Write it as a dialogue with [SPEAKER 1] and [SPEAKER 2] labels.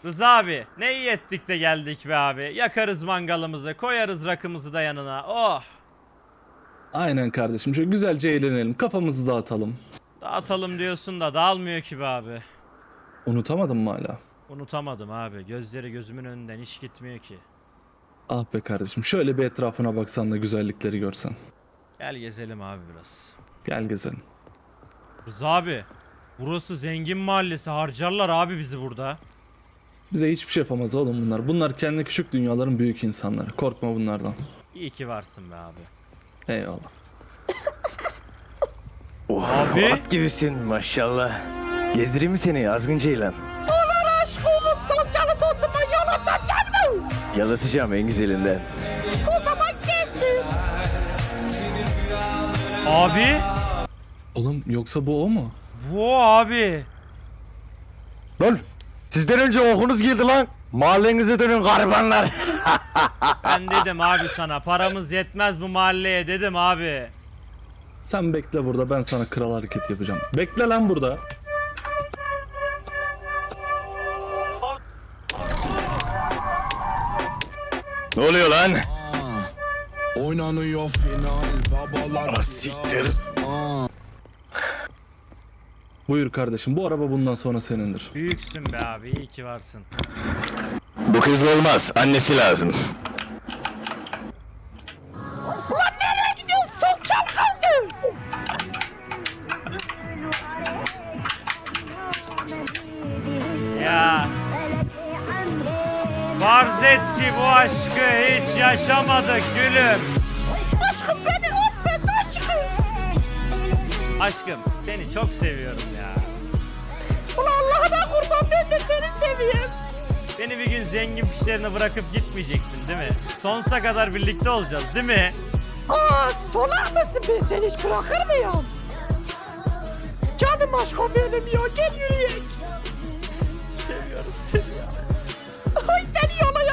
[SPEAKER 1] Rıza abi ne iyi ettik de geldik be abi. Yakarız mangalımızı, koyarız rakımızı da yanına. Oh!
[SPEAKER 2] Aynen kardeşim. Şöyle güzelce eğlenelim. Kafamızı dağıtalım.
[SPEAKER 1] Dağıtalım diyorsun da dağılmıyor ki be abi.
[SPEAKER 2] Unutamadın mı hala?
[SPEAKER 1] Unutamadım abi. Gözleri gözümün önünden hiç gitmiyor ki.
[SPEAKER 2] Ah be kardeşim. Şöyle bir etrafına baksan da güzellikleri görsen.
[SPEAKER 1] Gel gezelim abi biraz.
[SPEAKER 2] Gel gezelim.
[SPEAKER 1] Rıza abi, burası zengin mahallesi. Harcarlar abi bizi burada.
[SPEAKER 2] Bize hiçbir şey yapamaz oğlum bunlar. Bunlar kendi küçük dünyaların büyük insanları. Korkma bunlardan.
[SPEAKER 1] İyi ki varsın be abi.
[SPEAKER 2] Eyvallah.
[SPEAKER 1] Abi.
[SPEAKER 3] At gibisin maşallah. Gezdireyim mi seni azgın ceylan?
[SPEAKER 4] Allah aşkına salçalı dondurma yalatacak mı?
[SPEAKER 3] Yalatacağım en güzelinden.
[SPEAKER 4] O zaman gezdir.
[SPEAKER 1] Abi.
[SPEAKER 2] Oğlum yoksa bu o mu?
[SPEAKER 1] Bu abi.
[SPEAKER 3] Lan sizden önce okunuz girdi lan. Mahallenize dönün garibanlar.
[SPEAKER 1] Ben dedim abi sana paramız yetmez bu mahalleye dedim abi.
[SPEAKER 2] Sen bekle burada, ben sana kral hareket yapacağım. Bekle lan burada.
[SPEAKER 3] Ne oluyor lan?
[SPEAKER 5] Oynanıyor final babalar.
[SPEAKER 3] Siktir.
[SPEAKER 2] Buyur kardeşim, bu araba bundan sonra senindir.
[SPEAKER 1] Büyüksün be abi, iyi ki varsın.
[SPEAKER 3] Bu kız olmaz. Annesi lazım.
[SPEAKER 4] Ulan nereye gidiyorsun? Salçam kaldı.
[SPEAKER 1] Ya. Farz et ki bu aşkı hiç yaşamadık gülüm.
[SPEAKER 4] Aşkım beni affet aşkım.
[SPEAKER 1] Aşkım seni çok seviyorum ya.
[SPEAKER 4] Ulan Allah'ına kurban ben de seni seviyorum.
[SPEAKER 1] Beni bir gün zengin pişlerine bırakıp gitmeyeceksin değil mi? Sonsuza kadar birlikte olacağız değil mi?
[SPEAKER 4] Aa solak mısın, ben seni hiç bırakır mıyım? Canım aşkım benim ya, gel yürüyek.
[SPEAKER 1] Seviyorum seni ya.
[SPEAKER 4] Ay seni yola